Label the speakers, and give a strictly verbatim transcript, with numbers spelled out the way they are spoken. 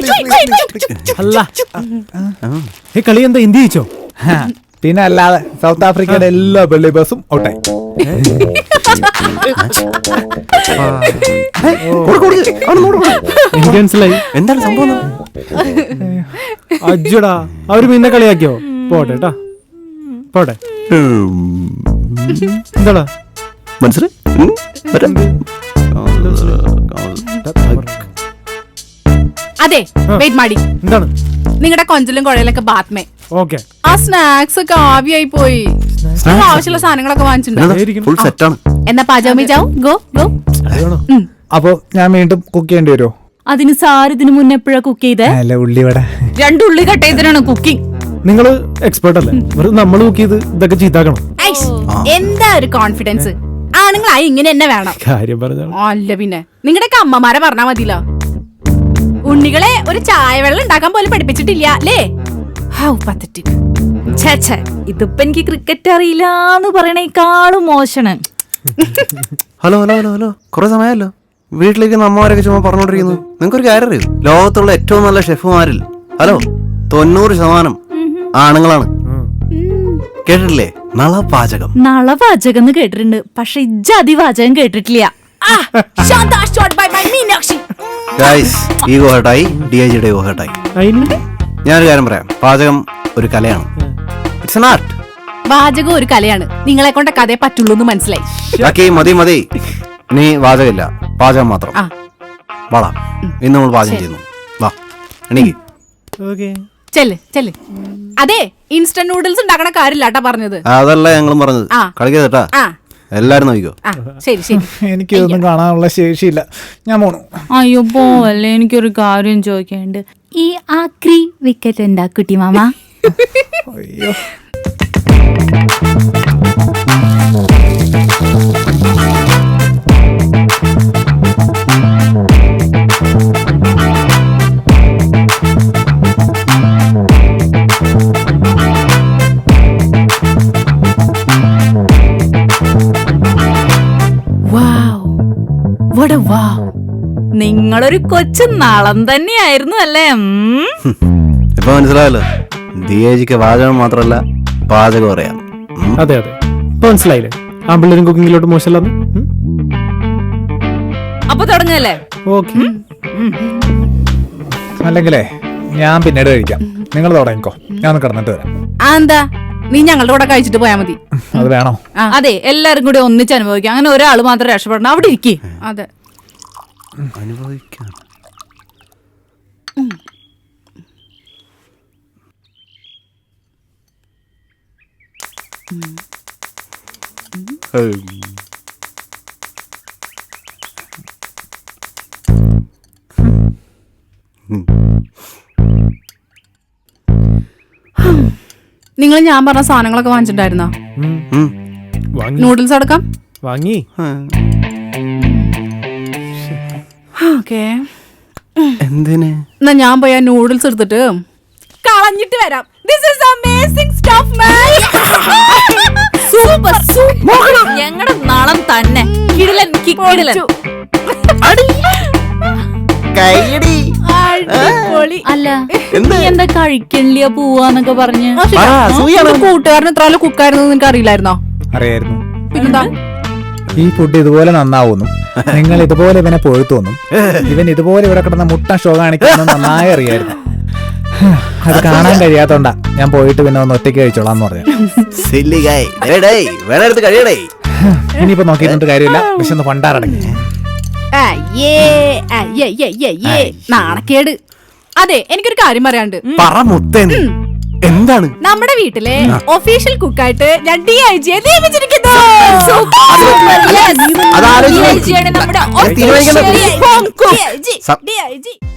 Speaker 1: അല്ല ഈ കളി എന്താ ഇന്ത്യ ജയിച്ചോ?
Speaker 2: പിന്നെ അല്ലാതെ സൗത്ത് ആഫ്രിക്കയുടെ എല്ലാ വെള്ളി ബസും ഔട്ടായി.
Speaker 1: എനിക്ക് മനസ്സിലായി
Speaker 3: എന്താണ് സംഭവം.
Speaker 1: അജ്ജടാ അവര് പിന്നെ കളിയാക്കിയോ? പോട്ടെ ട്ടാ പോട്ടെ. എന്താടാ
Speaker 3: മനസ്സിലായി?
Speaker 4: അതെ വെയിറ്റ് മാടി.
Speaker 1: എന്താണ്
Speaker 4: നിങ്ങളുടെ കൊഞ്ചലും കുഴയിലൊക്കെ ബാത്മേ.
Speaker 1: ഓക്കെ
Speaker 4: ആ സ്നാക്സ് ഒക്കെ ആവിയായി പോയി. ആവശ്യമുള്ള സാധനങ്ങളൊക്കെ വാങ്ങിച്ചിട്ടുണ്ടോ?
Speaker 3: ഫുൾ സെറ്റാണ്.
Speaker 4: എന്നാ പാചകം ചാവും. Go go.
Speaker 2: അപ്പൊ ഞാൻ വീണ്ടും കുക്ക് ചെയ്യേണ്ടി വരുമോ?
Speaker 5: അതിന് സാർ ഇതിനു മുന്നേ എപ്പോഴാ കുക്ക് ചെയ്തേ?
Speaker 2: അല്ല ഉള്ളിവട.
Speaker 5: രണ്ടുള്ളി കട്ട് ചെയ്തതിനാണ് കുക്കിംഗ്.
Speaker 1: നിങ്ങള് എക്സ്പേർട്ട് അല്ലേ? നമ്മൾ കുക്ക് ചെയ്ത് ഇതൊക്കെ ചീത്താക്കണം.
Speaker 4: എന്താ ഒരു കോൺഫിഡൻസ്? ആണുങ്ങളായി ഇങ്ങനെ എന്നെ വേണം.
Speaker 1: കാര്യം പറഞ്ഞാണ്.
Speaker 4: അല്ല പിന്നെ നിങ്ങളുടെയൊക്കെ അമ്മമാരെ പറഞ്ഞാ മതിയല്ലോ. ഉണ്ണികളെ ഒരു ചായ വെള്ളം ഉണ്ടാക്കാൻ പോലും പഠിപ്പിച്ചിട്ടില്ല അല്ലേ? How pathetic.
Speaker 5: ഇതിപ്പോ എനിക്ക് ക്രിക്കറ്റ് അറിയില്ലാന്ന് പറയണേക്കാളും മോശമാണ്.
Speaker 3: ഹലോ ഹലോ ഹലോ ഹലോ കുറെ സമയമല്ലോ വീട്ടിലേക്ക് അമ്മമാരൊക്കെ ചുമ്മാ പറഞ്ഞോണ്ടിരിക്കുന്നു. നിങ്ങൾക്കൊരു കാര്യം അറിയോ? ലോകത്തുള്ള ഏറ്റവും നല്ല ഷെഫുമാരിൽ ഹലോ തൊണ്ണൂറ് ശതമാനം ആണുങ്ങളാണ്. കേട്ടിട്ടില്ലേ? നളപാചകം.
Speaker 5: നളപാചകം എന്ന് കേട്ടിട്ടുണ്ട്, പക്ഷെ ഇജ്ജാതി പാചകം കേട്ടിട്ടില്ല.
Speaker 3: ഈഗോ ഹേർട്ടായി, ഡി ഐ ജിയുടെ ഈഗോ ഹേർട്ടായി. ഞാനൊരു കാര്യം പറയാം, പാചകം ഒരു കലയാണ്. It's an art.
Speaker 4: പാചകം ഒരു കലയാണ്. നിങ്ങളെ കൊണ്ട് കഥയെ പറ്റുള്ളൂ എന്ന് മനസ്സിലായി.
Speaker 3: മതി മതി, നീ പാചകമില്ല, പാചകം മാത്രം. വാടാ, ഇന്ന് നമ്മൾ പാചകം ചെയ്യുന്നു. വാ എണീക്ക്.
Speaker 4: ചെല്ല് ചെല്ല്. അതെ ഇൻസ്റ്റന്റ് നൂഡിൽസ് ഉണ്ടാക്കണ കാര്യമില്ലാട്ടാ പറഞ്ഞത്.
Speaker 3: അതല്ല ഞങ്ങളും പറഞ്ഞത്. കളിക്കാ എല്ലാരും നോക്കിക്കോ.
Speaker 4: ശരി ശരി.
Speaker 2: എനിക്ക് ഇതൊന്നും കാണാനുള്ള ശേഷിയില്ല, ഞാൻ പോണു.
Speaker 5: അയ്യോ പോവല്ലേ, എനിക്കൊരു കാര്യം ചോദിക്കാനുണ്ട്. ഈ ആക്രി വിക്കറ്റ് ഉണ്ടാക്കുട്ടി മാമ.
Speaker 2: അയ്യോ
Speaker 5: നിങ്ങളൊരു കൊച്ചു നളം തന്നെയായിരുന്നു അല്ലേ?
Speaker 3: ഇപ്പൊ മനസ്സിലായല്ലോ, ദിയേജിക്ക് പാചകം മാത്രല്ല പാചകം അറിയാം.
Speaker 1: അതെ അതെ ഇപ്പൊ മനസ്സിലായില്ലേ? ആ പിള്ളേരും കുക്കിങ്ങിലോട്ട് മോശമല്ലെന്ന്.
Speaker 5: അപ്പൊ തുടങ്ങല്ലേ?
Speaker 1: ഓക്കെ.
Speaker 2: അല്ലെങ്കിലേ ഞാൻ പിന്നീട് കഴിക്കാം, നിങ്ങൾ തുടങ്ങിക്കോ, ഞാൻ ഒന്ന് കിടന്നിട്ട് വരാം.
Speaker 4: എന്താ നീ ഞങ്ങളുടെ കൂടെ കഴിച്ചിട്ട് പോയാ മതി.
Speaker 2: അത് വേണോ?
Speaker 5: അതെ, എല്ലാരും കൂടി ഒന്നിച്ച് അനുഭവിക്കാം. അങ്ങനെ ഒരാൾ മാത്രം രക്ഷപ്പെടണം. അവിടെ ഇരിക്കേ.
Speaker 4: അതെ
Speaker 3: അനുഭവിക്കാം.
Speaker 4: നിങ്ങൾ ഞാൻ പറഞ്ഞ സാധനങ്ങളൊക്കെ വാങ്ങിച്ചിട്ടുണ്ടായിരുന്നോ? നൂഡിൽസ് അടക്കം
Speaker 1: വാങ്ങി.
Speaker 4: ഓക്കേ.
Speaker 3: എന്തിന്?
Speaker 4: എന്നാ ഞാൻ പോയി ആ നൂഡിൽസ് എടുത്തിട്ട് കളഞ്ഞിട്ട് വരാം. This is amazing stuff, man.
Speaker 5: Super super. ഞങ്ങളുടെ നളം തന്നെ കിടിലൻ കിടിലൻ. അല്ല എന്താ കഴിക്കണില്ല പോവാന്നൊക്കെ പറഞ്ഞ്
Speaker 4: കൂട്ടുകാരന് ഇത്ര കുക്കായിരുന്നു നിനക്ക് അറിയില്ലായിരുന്നോ?
Speaker 2: അറിയായിരുന്നു.
Speaker 4: പിന്നെന്താ?
Speaker 2: ഈ ഫുഡ് ഇതുപോലെ നന്നാവുന്നു, നിങ്ങൾ ഇതുപോലെ ഇവനെ പൊഴുത്തോന്നും, ഇവൻ ഇതുപോലെ ഇവിടെ കിടന്ന മുട്ട ഷോ കാണിക്കുന്നു നന്നായി അറിയായിരുന്നു. അത് കാണാൻ കഴിയാത്തോണ്ടാ ഞാൻ പോയിട്ട് പിന്നെ ഒന്ന് ഒറ്റയ്ക്ക് കഴിച്ചോളാന്ന് പറഞ്ഞു. ഇനിയിപ്പോ നോക്കിയിട്ട് കാര്യമില്ല, പക്ഷെ ഒന്ന് പണ്ടാറടങ്ങി.
Speaker 4: നാണക്കേട്. അതെ എനിക്കൊരു കാര്യം പറയാണ്ട്.
Speaker 3: എന്താണ്?
Speaker 4: നമ്മുടെ വീട്ടിലെ ഒഫീഷ്യൽ കുക്കായിട്ട് ഞാൻ ഡി ഐ ജിയെ നിയമിച്ചിരിക്കുന്നു.
Speaker 5: നമ്മുടെ